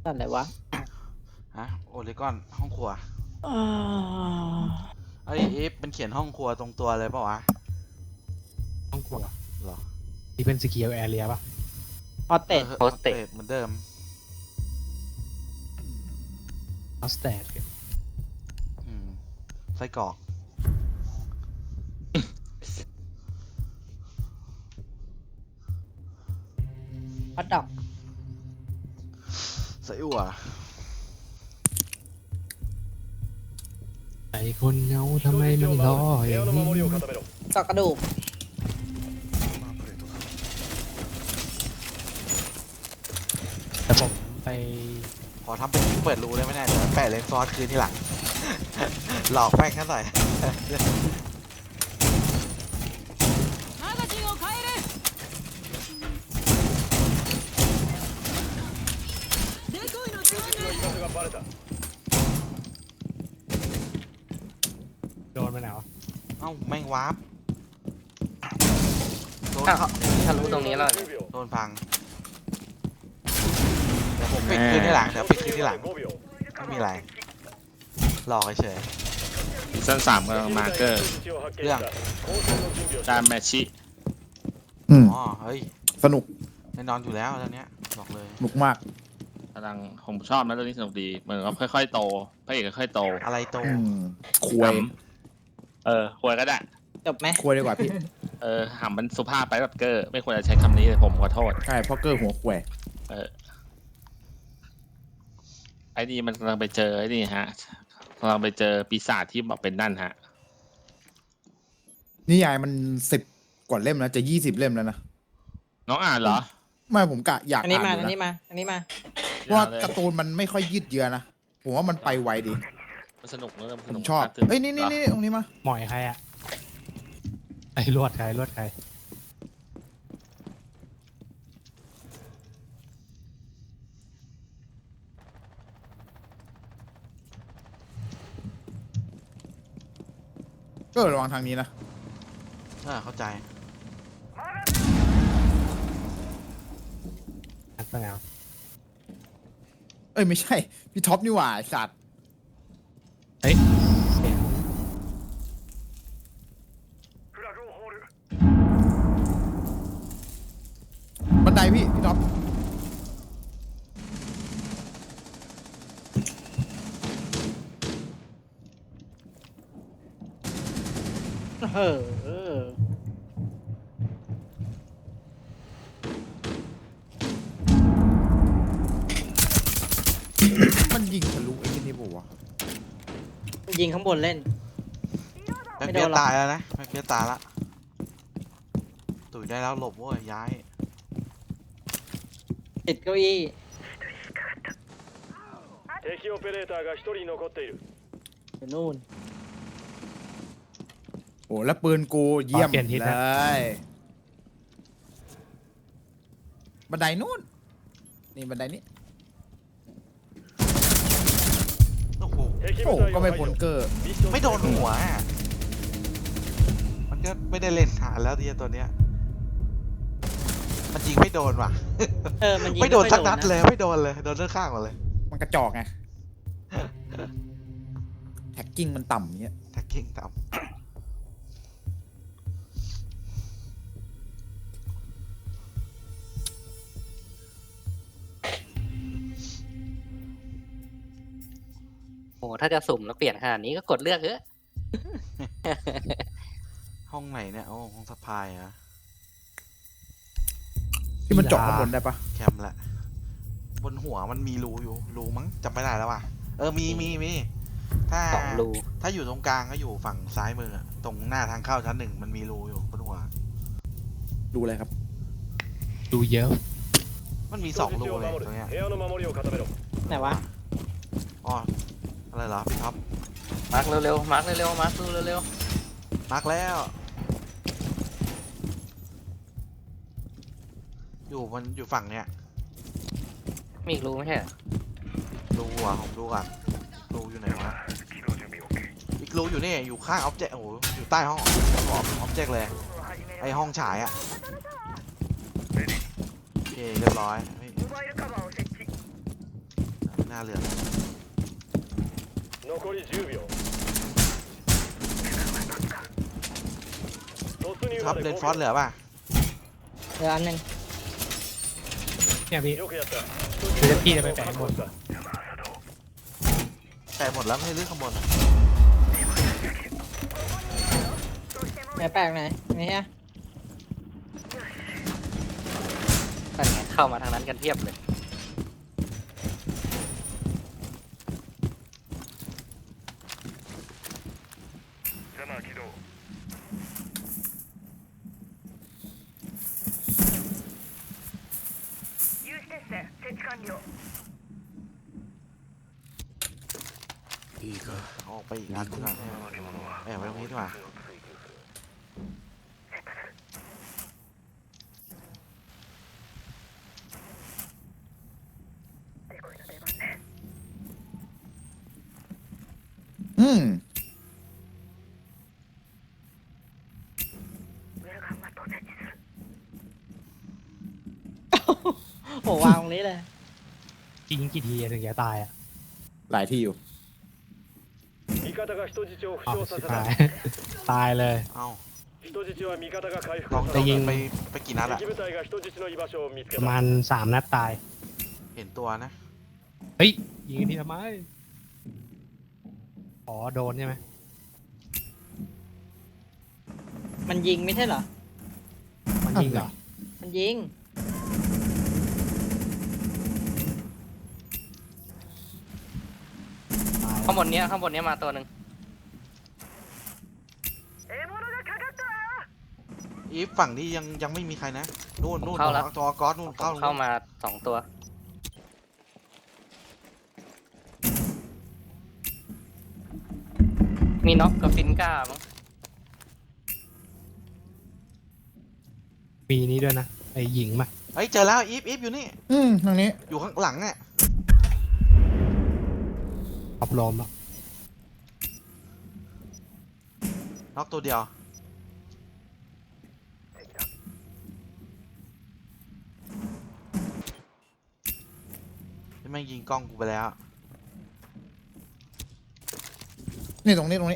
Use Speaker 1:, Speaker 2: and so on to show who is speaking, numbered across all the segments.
Speaker 1: นั่นอะไรวะ
Speaker 2: ฮะโอเลกอนห้องครัว
Speaker 1: อ่า
Speaker 2: ไอ้เอฟมันเขียนห้องครัวตรงตัวเลยเปล่าวะ
Speaker 3: ห้องครัว
Speaker 2: หรอ
Speaker 3: ที่เป็นสกีลแอเรียป่ะ
Speaker 1: ฮอตเต็ด
Speaker 2: โฮสเตสเหมือนเดิม
Speaker 3: ออสแตด
Speaker 2: ไส้กรอก
Speaker 1: ฮอตดอก
Speaker 2: ไส้อั่ว
Speaker 3: ไอ้คนเงาทำไมมันรออย่างนี้
Speaker 1: กอกกระดูก
Speaker 3: แต่ผมไป
Speaker 2: ขอทำเป็นเปิดรูได้ไหมเนี่ยเดี๋ยวแปะเลนส์ซอสคืนที่หลัง หลอกแป้งกันหน่อย
Speaker 3: โดนไปไหนวะ
Speaker 2: เอ้าแม่งวาร์ปโดน
Speaker 4: อ้าว
Speaker 2: เขา
Speaker 4: ทะลุตรงนี้แล้ว
Speaker 2: โดนพังเดี๋ยวผมปิดคืนที่หลังเดี๋ยวปิดคืนที่หลังไม่มีอะไรหลอกเฉย
Speaker 5: ซีซั่น3กำลังมาเกอร์
Speaker 2: เรื่อง
Speaker 5: ดามแมชชิ
Speaker 2: อ๋อเฮ้ย
Speaker 6: สนุก
Speaker 2: แน่นอนอยู่แล้วเรื่องเนี้ยบอกเลย
Speaker 6: สนุกมาก
Speaker 5: กำลังผมชอบนะเรื่องนี้สนุกดีเหมือนกับค่อยๆโตพระเอกค่อยๆโต
Speaker 2: อะไรโต
Speaker 6: ควย
Speaker 5: ควรก็ได้
Speaker 1: จบไหม
Speaker 6: ควยดีกว่าพี่
Speaker 5: หำมันสุภาพไปแบบเกอร์ไม่ควรจะใช้คำนี้เลยผมขอโทษ
Speaker 6: ใช่เพราะเกอร์หัวควย
Speaker 5: ไอ้นี่มันกำลังไปเจอไอ้นี่ฮะกำลังไปเจอปีศาจที่บอกเป็นนั่นฮะ
Speaker 6: นิยายมัน10 กว่าเล่มแล้วจะ20 เล่มแล้วนะ
Speaker 5: น้องอ่านเหรอ
Speaker 6: ไม่ผมกะอยาก
Speaker 1: อันนี้
Speaker 6: อ่าน
Speaker 1: มา
Speaker 6: อยู่
Speaker 1: อันนี้
Speaker 6: นะ
Speaker 1: มาอันนี้มา
Speaker 6: เพราะว่าการ์ตูนมันไม่ค่อยยืดเยื้อนะผมว่ามันไปไวดี
Speaker 5: มันสนุกนะมัน
Speaker 6: ผ
Speaker 5: สนุ
Speaker 6: ม
Speaker 5: ก
Speaker 6: ชอบ
Speaker 5: ตื่น
Speaker 6: เอ้ยนี่ตรงนี้มา
Speaker 3: หมอยใครอะไอ้ลวดใครลวดใคร
Speaker 6: ก็ระวังทางนี้นะ
Speaker 2: เข้าใจ
Speaker 3: อัดไปแล้ว
Speaker 6: เอ้ยไม่ใช่พี่ท็อปนี่หว่าไอ้สัตว์
Speaker 3: เฮ้ยเสียง
Speaker 6: บันไดพี่ท็อป
Speaker 1: เออ
Speaker 6: มันยิงทะลุไอ้ที่นี่ปะวะ
Speaker 1: ยิงข้างบนเล่น
Speaker 2: แม็ก
Speaker 1: ไม่
Speaker 2: เปี
Speaker 1: โด
Speaker 2: ย
Speaker 1: นหรอก
Speaker 2: ตายแล้วนะแม็กเปียตายละตุ๋ยได้แล้วหลบเว้ยย้าย
Speaker 1: ติดเก้าอี้
Speaker 7: 敵オペレーターが1人残っている
Speaker 1: อยู่นู่น
Speaker 6: โอ้แล้วปืนกูเยี่ยมเลยบันไดนู้นนี่บันไดนี้
Speaker 2: โอ้โห
Speaker 7: 敵
Speaker 6: โอ้
Speaker 7: 部隊
Speaker 6: ก็
Speaker 7: を
Speaker 6: ไม่
Speaker 7: 排
Speaker 6: พ้น
Speaker 7: 除
Speaker 6: เกอร์
Speaker 7: ミッション
Speaker 2: ไม่โดนหัวอะมันก็ไม่ได้เล่นฐานแล้วทีตัวเนี้ยมันยิงไม่โดนว่ะ
Speaker 1: มันยิง
Speaker 2: ไม่โดนสักนัด
Speaker 1: ะ
Speaker 2: เลยไม่โดนเลยโดนด้านข้างหมดเลย
Speaker 6: มันกระจอกไงแท็กกิ้งมันต่ำเงี้ย
Speaker 2: แท็กกิ้งต่ำ
Speaker 4: โอ้ถ้าจะสุ่มแล้วเปลี่ยนขนาดนี้ก็กดเลือกเถอะ
Speaker 2: ห้องไหนเนี่ยโอ้ห้องสะพายเหรอะ
Speaker 6: ที่มันเจาะข้างบนได้ปะ
Speaker 2: แคมแหละบนหัวมันมีรูอยู่รูมั้งจำไม่ได้แล้วว่ะมีถ้า
Speaker 4: 2 รู
Speaker 2: ถ้าอยู่ตรงกลางก็อยู่ฝั่งซ้ายมืออะตรงหน้าทางเข้าชั้น 1มันมีรูอยู่บนหัว
Speaker 6: ดูอะไรครับ
Speaker 3: ดูเยอะ
Speaker 2: มันมี
Speaker 7: 人
Speaker 2: 2 รู
Speaker 7: 質を
Speaker 2: เลย
Speaker 7: 守
Speaker 2: ตรงเนี้ย
Speaker 7: る部屋の守りを固めろ
Speaker 1: ไหนวะ
Speaker 2: อ๋ออะไรเหรอพี่ท็อป
Speaker 4: มาร์กเร็วๆมาร์กเร็วๆมาร์กดูเร็ว
Speaker 2: มาร์กแล้ว มันอยู่ฝั่งเนี้ย
Speaker 4: ๆมีอีกรูไม่ใช่เหรอ
Speaker 2: รูอ่ะผมดูก่อนรูอยู่ไหนวะอีกรูอยู่นี่อยู่ข้างออบเจกต์โอ้โหอยู่ใต้ห้องออบเจกต์เลยไอห้องฉายอ่ะโอเคเรียบร้อยเฮ้ยน่าเหลือ
Speaker 7: 残り10秒突入
Speaker 2: ท็อ
Speaker 7: ま
Speaker 2: ปเล
Speaker 7: で
Speaker 2: น
Speaker 7: 5
Speaker 2: ฟอสเหลือป่ะ
Speaker 1: เดี๋ยวอันหนึ่ง
Speaker 3: เนี่ยพี่
Speaker 7: よくやった
Speaker 3: เดี๋ยวพี่จะไปแปะข้างบน
Speaker 2: แต่หมดแล้วไม่ให้เลือกข้างบนอะ
Speaker 1: ไหนแปลกไหนนี่ฮะ
Speaker 4: นั่นไงเข้ามาทางนั้นกันเทียบเลย
Speaker 2: เอาออกไปอีกอันดีกว่าแอบไว้ตรงนี้ดีกว่า
Speaker 6: อืม
Speaker 1: โหวางตรงนี้เลย
Speaker 3: ยิงกี่ทีถึงจะตายอ่ะ
Speaker 6: หลายที่อยู่
Speaker 7: 味方が人質を負
Speaker 3: อ้าว
Speaker 7: 傷さ
Speaker 3: ชิบ
Speaker 7: せ
Speaker 3: หา
Speaker 7: た
Speaker 3: ย ตายเลย
Speaker 2: เอ้า
Speaker 7: 人質は味方が回復
Speaker 2: กอง
Speaker 7: さ
Speaker 2: จะ
Speaker 7: せ
Speaker 2: ยิง
Speaker 7: た
Speaker 2: ไปกี่นัดอะ
Speaker 7: 敵部隊が人質の居場所を見つけ
Speaker 3: ประ
Speaker 7: た
Speaker 3: มาณ3 นัดตาย
Speaker 2: เห็นตัวนะ
Speaker 3: เฮ้ย ยิงทีทำไมอ๋อโดนใช่ไหม
Speaker 1: มันยิงไม่ใช่เหรอ
Speaker 3: มันยิงเหรอ
Speaker 1: มันยิง
Speaker 3: ตาย
Speaker 4: ข้างบนเนี้ยมาตัวหนึ่ง
Speaker 2: อีฟฝั่งนี้ยังไม่มีใครนะนู่นตัวก๊อตนู่นเข้า
Speaker 4: เข้ามา2 ตัว มีน็อกกับฟินก้ามั้ง
Speaker 3: ปีนี้ด้วยนะไอ้หญิงมา
Speaker 2: เฮ้ยเจอแล้วอีฟอยู่นี่
Speaker 6: อืมทางนี้
Speaker 2: อยู่ข้างหลังอะ
Speaker 3: ขับลมอ่ะ
Speaker 2: น็อกตัวเดียวไม่งยิงกล้องกูไปแล้ว
Speaker 6: นี่ตรงนี้ตรงนี้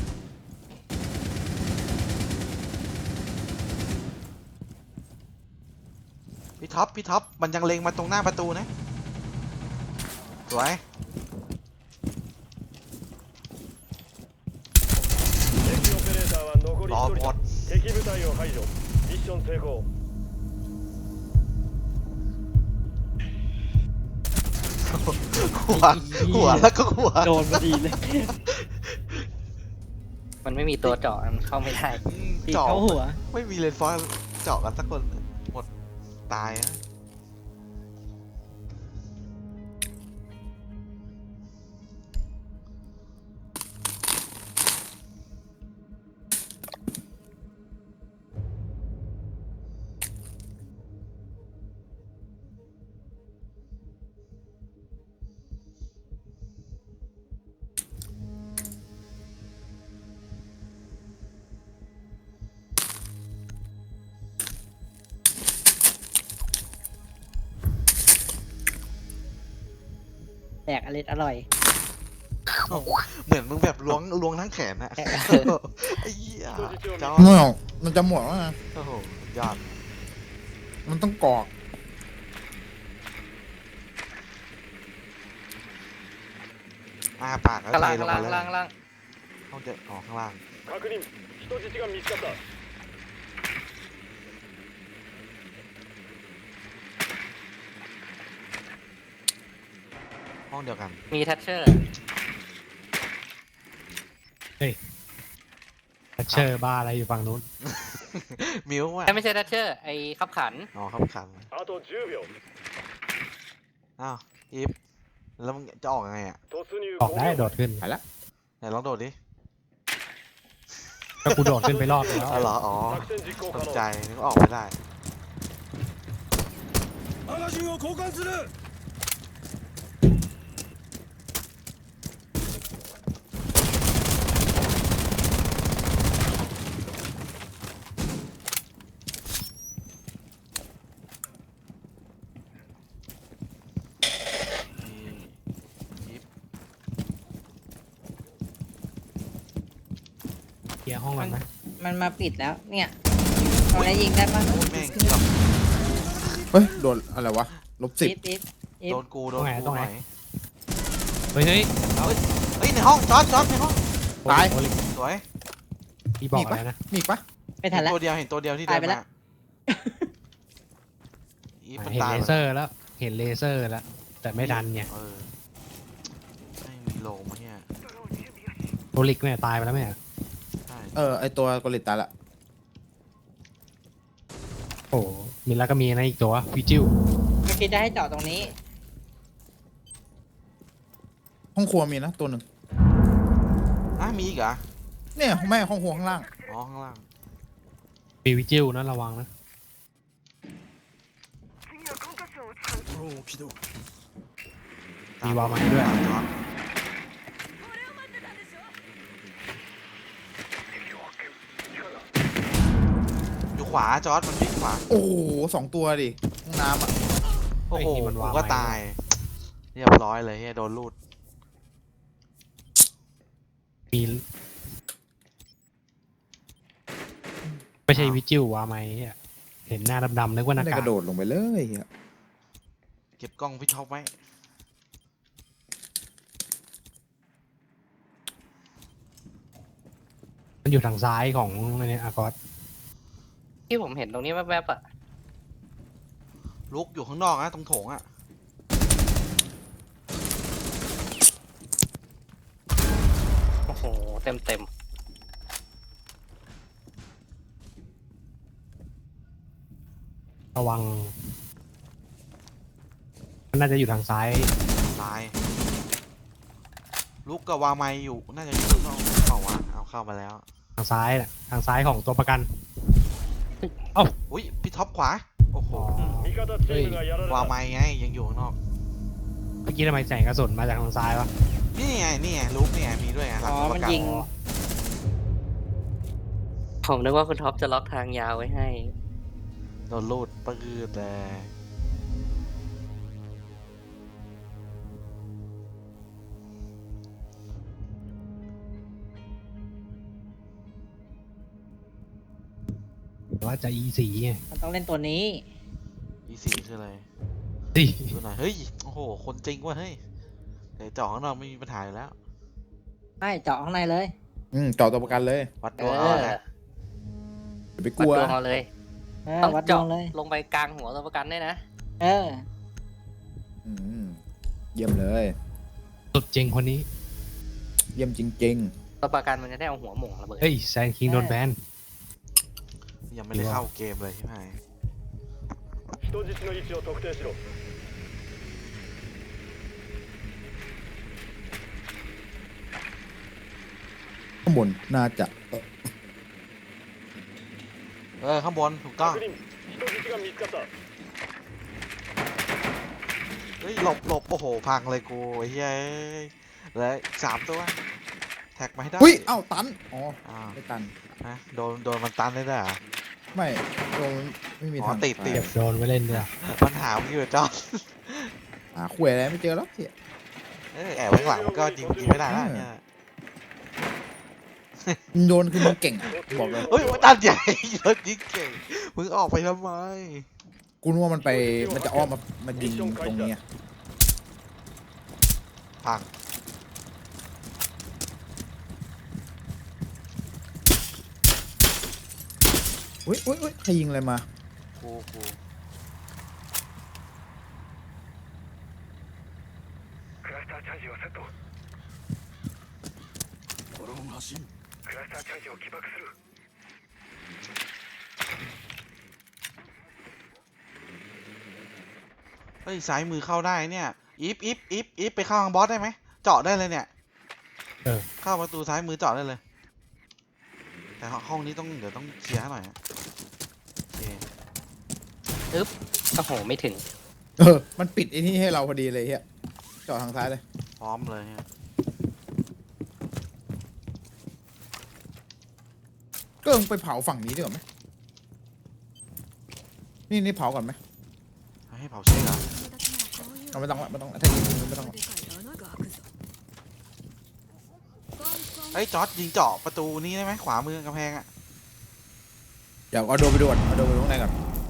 Speaker 2: พี่ท็อปมันยังเล็งมาตรงหน้าประตูนะสวย
Speaker 7: 敵オペレーターは残り
Speaker 2: รอ
Speaker 7: 1
Speaker 2: หม
Speaker 7: 人
Speaker 2: ด
Speaker 7: 敵部隊を排除ミッション成功
Speaker 2: หัวแล้วก็หัว
Speaker 1: โดนพอดีเลย
Speaker 4: มันไม่มีตัวเจาะมันเข้าไม่ได้
Speaker 1: ตี
Speaker 2: เจาะ
Speaker 1: เข้าหัว
Speaker 2: ไม่มีเลนส์ฟอยล์เจาะกันสักคนหมดตายนะ
Speaker 1: แดกอร่อย
Speaker 2: เหมือนมึงแบบล้วงทั้งแขนอะไอ้เหี้ยจอ
Speaker 6: ไม่เอามันจะหมดแล้วนะ
Speaker 2: โอ้โหยอด
Speaker 6: มันต้องกรอก
Speaker 2: อ้าปากแล้ว
Speaker 4: ข้าง
Speaker 2: เท
Speaker 4: ล่าง
Speaker 2: ล
Speaker 4: ข้าง ง
Speaker 2: มา
Speaker 4: ล่าง
Speaker 2: แล้ว
Speaker 4: ข้างล่าง
Speaker 2: เขาจะออกข้างล่าง
Speaker 7: 確認人質が見つかった
Speaker 2: ห้องเดียวกัน
Speaker 4: มีแทชเชอร์
Speaker 3: เชอร์บ้าอะไรอยู่ฝั่งนู้น
Speaker 2: มิวว่ะ
Speaker 4: ไม่ใช่แทชเชอร์ไอ้ขับขัน
Speaker 2: อ๋อครับขัน
Speaker 7: あと10秒
Speaker 2: อ้าวอีฟแล้วมึงจะออกยังไงอะ
Speaker 7: 突入
Speaker 3: ออกได้โดดขึ้น
Speaker 2: ไหนลองโดดดิ
Speaker 3: ก็กูโดดขึ้นไปรอบนึงแล้ว
Speaker 2: อ๋อเหรออ๋อ
Speaker 7: 作戦実行
Speaker 2: ต
Speaker 7: 可
Speaker 2: ก
Speaker 7: 能
Speaker 2: ใจนึกว่าออกไม่ได้
Speaker 7: マガジンを交換する
Speaker 2: ม
Speaker 3: เคลียร์ห้องก่อนไหม
Speaker 1: มันมาปิดแล้ว เนี่ยเอาแล้วยิงได้ปะ
Speaker 2: โอ้ยแม่งเกือบ
Speaker 6: เฮ้ยโดนอะไรวะ-10
Speaker 1: อีฟ
Speaker 2: โดนกูหน่อย
Speaker 3: เฮ้ย
Speaker 2: เฮ้ยในห้องจอดในห้อง
Speaker 6: ตาย
Speaker 3: โอลิ
Speaker 2: สวย
Speaker 3: พี่บอกอะไรนะ
Speaker 6: มีอีกปะ
Speaker 1: ไม่ทันแล้ว
Speaker 2: ตัวเดียวเห็นตัวเดียวที่เดิ
Speaker 1: ตาย
Speaker 2: น
Speaker 1: ไปแล้ว
Speaker 2: มาอีฟมัน
Speaker 3: เห็น
Speaker 2: ตาย
Speaker 3: เล
Speaker 2: ไป
Speaker 3: เซอร์แล้ว เห็นเลเซอร์แล้ว แต่ไม่ดันไง
Speaker 2: ไม่มีโลมาเนี่ย
Speaker 3: โอลิกเนี่ยตายไปแล้วไหมอะ
Speaker 2: ใช่
Speaker 6: ไอตัวกอริตตายละ
Speaker 3: โอ้มีแล้วก็มีนะอีกตัววิจิว
Speaker 1: เมื่อกี้จะให้เจาะตรงนี้
Speaker 6: ห้องครัวมีนะตัวหนึ่ง
Speaker 2: มีอีกเหรอ
Speaker 6: เนี่ยแม่ห้องครัวข้างล่าง
Speaker 2: อ๋อข้างล่าง
Speaker 3: มีวิจิวนะระวังนะ มีวาล์วมาให้ด้วย
Speaker 2: จอดอยู่ขวาจอร์ดมันวิ่งขวา
Speaker 6: โอ้โห2 ตัวดิห้องน้ำอ่ะ
Speaker 2: โอ้โห
Speaker 3: ไอ้ที่มัน
Speaker 2: กู
Speaker 3: วาง
Speaker 2: ก็
Speaker 3: ไว้
Speaker 2: ตาย เรียบร้อยเลยเฮียโดนลูด
Speaker 3: มีไม่ใช่วิจิววาไหมอะเห็นหน้าดำๆนึกว่าห
Speaker 6: ไม่
Speaker 3: น้า
Speaker 6: ได้
Speaker 3: กาก
Speaker 6: ระโดดลงไปเลยเหี้ย
Speaker 2: เก็บกล้องพี่ท็อปไว้
Speaker 3: มันอยู่ทางซ้ายของอันเนี้ยอากอส
Speaker 4: ที่ผมเห็นตรงนี้แวบๆอ่ะ
Speaker 2: ลุกอยู่ข้างนอกนะตรงโถงอ่ะ
Speaker 4: โอ้โห เต็ม
Speaker 3: ระวังมันน่าจะอยู่ทางซ้าย
Speaker 2: ตาย ลุกกับวาไมอยู่น่าจะอยู่ข้างนอกเปล่าวะเอาเข้ามาแล้ว
Speaker 3: ทางซ้ายน่ะทางซ้ายของตัวประกัน
Speaker 2: อุ้ยพี่ท็อปขวาโอ้โห
Speaker 3: อ๋อ
Speaker 7: 味方チームがやられ
Speaker 2: วา
Speaker 7: た
Speaker 2: ไมไงยังอยู่ข้างนอก
Speaker 3: เมื่อกี้ทำไมแสงกระสุนมาจากทางซ้ายวะ
Speaker 2: นี่ไงลุกเนี่ยมีด้วยไงหลั
Speaker 1: อ๋
Speaker 2: ง
Speaker 1: อ
Speaker 2: ตัวป
Speaker 1: มัน
Speaker 2: ระกัน
Speaker 1: ยิง
Speaker 4: ๆ ผมนึกว่าคุณท็อปจะล็อกทางยาวไว้ให้
Speaker 2: โดนลูดปืดเลย
Speaker 3: หรือว่าจะ E4 ไง
Speaker 1: มันต้องเล่นตัวนี้
Speaker 2: อีสี่คืออะไร
Speaker 3: ดิ
Speaker 2: ดูหน่อยเฮ้ยโอ้โหคนจริงว่ะเฮ้ยแต่เจาะข้างนอกไม่มีปัญหาอยู่แล้ว
Speaker 1: ไม่เจาะข้างในเลย
Speaker 6: เจาะตัวประกันเลย
Speaker 2: วัดด
Speaker 4: เอ
Speaker 2: วงเอา
Speaker 4: อ
Speaker 2: นะ
Speaker 6: อย่าไปก
Speaker 4: วัด
Speaker 6: ลัว
Speaker 4: ดวงเอาเลย ต้อง
Speaker 1: วัดดว
Speaker 4: เจาะ
Speaker 1: งเลย
Speaker 4: ลงไปกลางหัวตัวประกันด้วยนะ
Speaker 1: เออ
Speaker 6: อืมเยี่ยมเลย
Speaker 3: สุดจริงคนนี้
Speaker 6: เยี่ยมจริง
Speaker 4: ตัวประกันมันจะได้เอาหัวหม่งระเบิด
Speaker 3: เฮ้ยแซนคิงโดนแบน
Speaker 2: ยังไม่ได้เข้าเกมเลยใช่ไหม
Speaker 7: 人質の位置を特定しろ
Speaker 6: ๆข้างบนน่าจะ
Speaker 2: ข้างบนถูกต้อง
Speaker 7: 確認人質が見つかった
Speaker 2: เฮ้ยหลบโอ้โหพังเลยกูไอ้เฮ้ยเหลย3 ตัวแท็กมาให้ได้
Speaker 6: อุ้ยเอ้าตันอ๋อ
Speaker 2: อ้าว
Speaker 6: ไม่ตัน
Speaker 2: นะโดนมันตันได้ด้วยเหรอ
Speaker 6: ไม่โดนไม่มี
Speaker 2: อ๋อ
Speaker 6: ทาง
Speaker 2: ติด
Speaker 6: ไป
Speaker 3: เก็บโดนไว้เล่นด้วย
Speaker 2: ปัญหามันอยู่จอด
Speaker 6: หาขวยอะไรไม่เจอแล้วเหี้ย
Speaker 2: แอบไว้ข้างหลังมันก็ยิงไม่ได้แล้วเนี่ย
Speaker 6: มึงโดนคือมึงเก่งอะบอกเลย
Speaker 2: เฮ้ยมันตันใหญ่เยอะจริงเก่งมึงออกไปทำไม
Speaker 6: กูนึกว่ามันจะอ้อมมายิงตรงนี้อะ
Speaker 2: พัง
Speaker 6: อุ้ยใครยิงอะไรมา
Speaker 2: กู
Speaker 7: クラスターチャージをセットドローン発進クラスターチャージを起爆する
Speaker 2: เฮ้ยซ้ายมือเข้าได้เนี่ยอีฟไปเข้าทางบอสได้ไหมเจาะได้เลยเนี่ยเข้าประตูซ้ายมือเจาะได้เลย แต่ห้องนี้เดี๋ยวต้องเคลียร์ให้หน่อยนะโอเค
Speaker 4: โอ้โห ไม่ถึง
Speaker 6: มันปิดไอ้นี่ให้เราพอดีเลยเฮียเจาะทางซ้ายเลย
Speaker 2: พร้อมเลยเนี่ย
Speaker 6: ก็มึงไปเผาฝั่งนี้ดีกว่าไหมนี่เผาก่อนไหม
Speaker 2: ให้เผาเชือก
Speaker 6: เอาไม่ต้องละถ้ายิงไม่ต้องละ
Speaker 2: เฮ้ยจอร์ดยิงเจาะประตูนี้ได้ไหมขวามือกำแพงอะ
Speaker 6: เดี๋ยวเอาโดนไปดูก่อนเอาโดนไปดูข้างในก่อน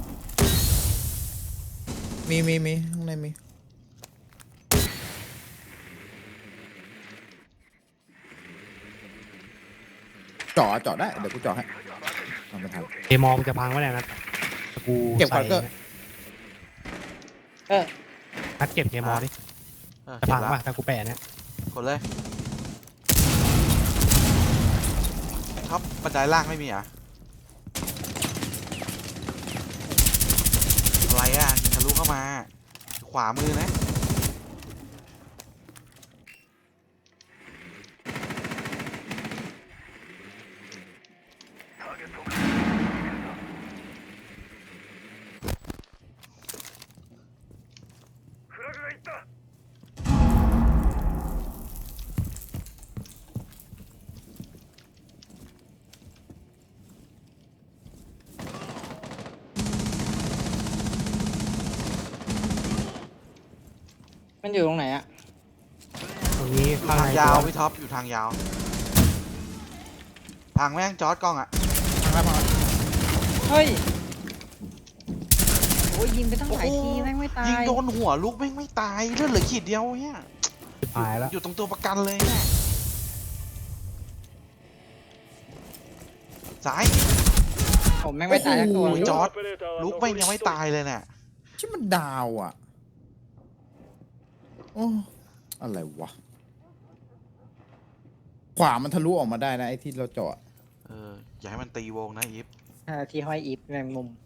Speaker 6: มีข้างในมีเจาะได้เดี๋ยวกูเจาะให้ทำไม่ทัน
Speaker 3: เอมอมจะพังไว้แล้วนะกู
Speaker 6: เก็บก่อน
Speaker 3: ใส่
Speaker 6: ก็
Speaker 1: เออ
Speaker 3: นัดเก็บเคมอดิ
Speaker 2: เก็
Speaker 3: จะ
Speaker 2: บ
Speaker 3: พัง
Speaker 2: แล้ว
Speaker 3: ป่ะถ้ากูแปะเนี่ย
Speaker 2: กดเลยครับบันไดล่างไม่มีเหรอ่ะอะไรอ่ะยิงทะลุเข้ามาขวามือนะ
Speaker 7: フラグがいった
Speaker 1: มันอยู่ตรงไหนอะ
Speaker 3: ตรงนี้ข้าง
Speaker 2: ทาง
Speaker 3: ใน
Speaker 2: ยาว
Speaker 3: ตัว
Speaker 2: พี่ท็อปอยู่ทางยาวพังแม่งจอร์ดกล้องอ่ะ
Speaker 6: พังแล้ว
Speaker 1: เฮ้ยโอ้ยยิงไปตั้งหลายทีแม่งไม่ตาย
Speaker 2: ยิงโดนหัวลูกแม่งไม่ตายเลือดเหลือขีดเดียวเนี่ย
Speaker 3: หายแล้ว
Speaker 2: อยู่ตรงตัวประกันเลยเนี่ยซ้าย
Speaker 1: ผมแม่งไม่ตายสักตัว
Speaker 2: โอ้ยจอร์จ
Speaker 7: オペレーターは
Speaker 2: ลูก
Speaker 7: 残
Speaker 2: แม่ง
Speaker 7: り
Speaker 2: ยัง
Speaker 7: 1
Speaker 2: ไม่
Speaker 7: 人
Speaker 2: ตายเลยเนี่ย
Speaker 6: ที่มันดาวอ่ะโอ้อะไรวะขวามันทะลุออกมาได้นะไอ้ที่เราเจาะ
Speaker 2: อย่าให้มันตีวงนะอีฟ
Speaker 1: ที่ห้อยอีฟแมงมุม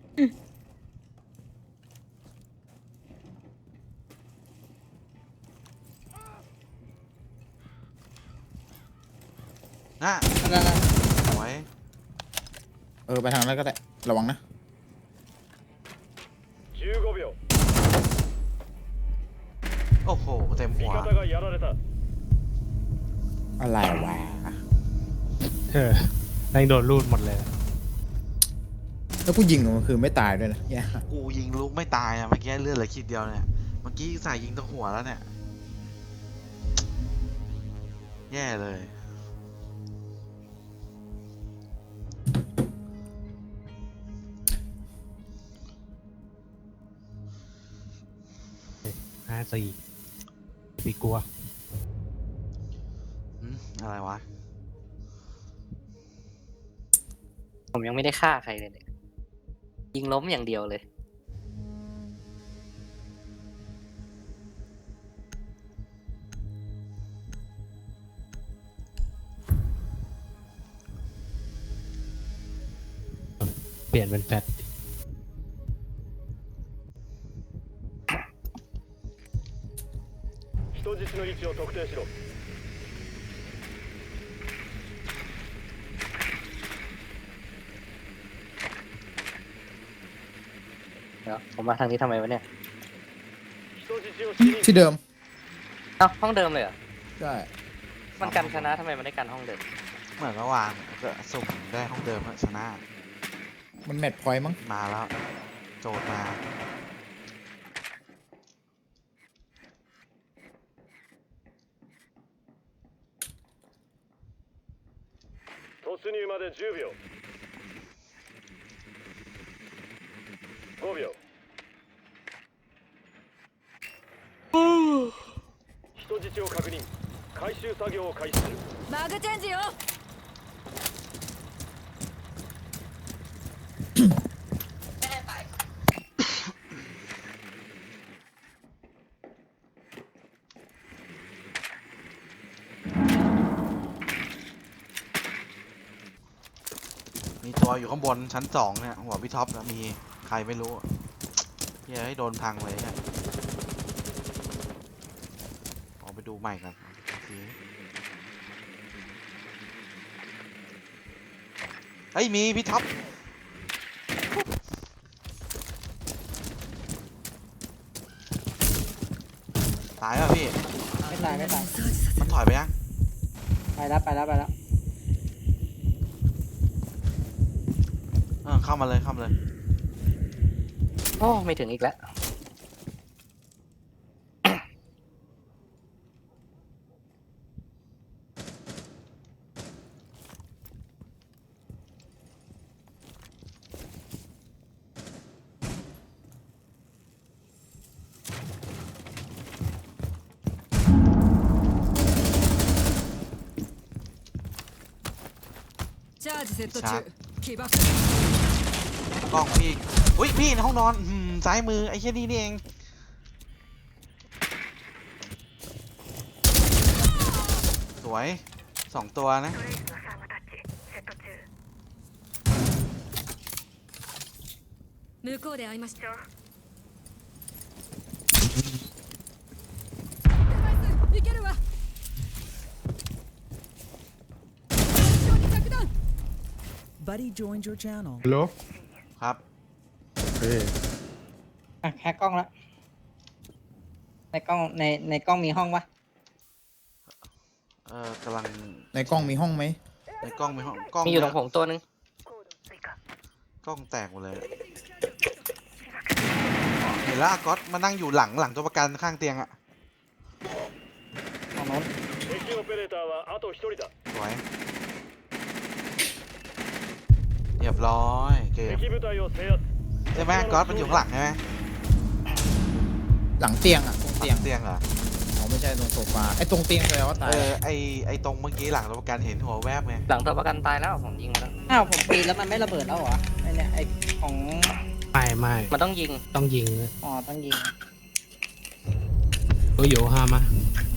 Speaker 2: น่ะ
Speaker 1: นั่นน่ะ
Speaker 2: สวย
Speaker 6: ไปทางนั้นก็ได้ระวังนะ
Speaker 7: 15秒
Speaker 2: โอ้โหเต็ม
Speaker 7: 味
Speaker 2: หัว
Speaker 7: 方がやられた
Speaker 6: อะไรวะ
Speaker 3: แม่งโดนรูดหมดเลย
Speaker 6: แล้วกูยิงมันคือไม่ตายด้วยนะแย่
Speaker 2: กูยิงลูกไม่ตายอ่ะเมื่อกี้เลือดเหลือขีดเดียวเนี่ยเมื่อกี้ใส่ยิงตรงหัวแล้วเนี่ยแย่เลย
Speaker 3: 54ปีกลัว
Speaker 2: อะไรวะ
Speaker 4: ผมยังไม่ได้ฆ่าใครเลยเนี่ยยิงล้มอย่างเดียวเลย
Speaker 3: เปลี่ยนเป็นแฟต
Speaker 7: 人質の位置を特定しろ
Speaker 4: เดี๋ยวผมมาทางนี้ทำไมวะเนี่ย
Speaker 7: 人質を死に
Speaker 6: ที่เดิม
Speaker 4: เอ้าห้องเดิมเลยเหรอ
Speaker 6: ใช่
Speaker 4: มันกันชนะทำไมมันได้กันห้องเดิม
Speaker 2: เหมือนเมื่อวานก็สุ่มได้ห้องเดิมอะชนะ
Speaker 6: มันแมตช์พอยต์มั้ง
Speaker 2: มาแล้ว โจทย์มา
Speaker 7: 突入まで10秒5秒人質を確認回収作業を開始する
Speaker 8: マグチェンジよ
Speaker 2: มีตัวอยู่ข้างบนชั้น2เนี่ยหัวพี่ท็อปนะมีใครไม่รู้เฮ้ยให้โดนพังเลยเนี่ยออกไปดูใหม่กันโอเคเฮ้ยมีพี่ท็อปตายป่ะพี่
Speaker 1: ไม่ตายไม่ตาย
Speaker 2: มันถอยไปยัง
Speaker 1: ไปแล้วไปแล้วไปแล้ว
Speaker 2: เข้ามาเลยเข้ามาเลย
Speaker 4: โอ้ไม่ถึงอีกแล้ว
Speaker 8: チャージセット
Speaker 2: ชาร์จ
Speaker 8: 中起爆
Speaker 2: กล้องพี่อุ้ยพี่ในห้องนอนซ้ายมือไอ้เชี่ยนี่นี่เองสวย2 ตัวนะ
Speaker 8: 向こうで会いましたいけるわ着弾
Speaker 9: Buddy joined your channel.
Speaker 3: ฮัลโหล
Speaker 2: ครับ
Speaker 3: เฮ้ย
Speaker 1: อ่ะแฮกกล้องละในกล้องในกล้องมีห้องปะ
Speaker 2: กำลัง
Speaker 6: ในกล้องมีห้องไหม
Speaker 2: ในกล้องมีห้องกล้อง
Speaker 4: มีอยู่ตรงผมตัวนึง
Speaker 2: กล้องแตกหมดเลยเห็นแล้วก๊อตมานั่งอยู่หลังตัวประกันข้างเตียงอะ
Speaker 1: ห้องโน้น
Speaker 7: 敵オペレーターはあと1人だ
Speaker 2: สวยเรียบร้อยเกม
Speaker 7: 敵部隊を制圧
Speaker 2: ใช่ไหมก๊อตมันอยู่ข้างหลังใช่ไหม
Speaker 6: หลังเตียงอ่ะตรง
Speaker 2: ห
Speaker 6: เตีย
Speaker 2: ลั
Speaker 6: ง
Speaker 2: งเตียงเหรอ
Speaker 6: อ๋อไม่ใช่ตรงโซฟาไอ้ตรงเตียงแปลว่าตาย
Speaker 2: ไอตรงเมื่อกี้หลังตัวประกันเห็นหัวแวบไง
Speaker 4: หลังตัวประกันตายแล้วผมยิงมาแล้ว
Speaker 1: อ้าวผมปีนแล้วมันไม่ระเบิดแล้วเหรอไอเนี่ยไอของ
Speaker 3: ไม่
Speaker 4: มันต้องยิง
Speaker 3: ต้องยิง
Speaker 1: อ๋อต้องยิง
Speaker 3: โอ้ยโยฮามา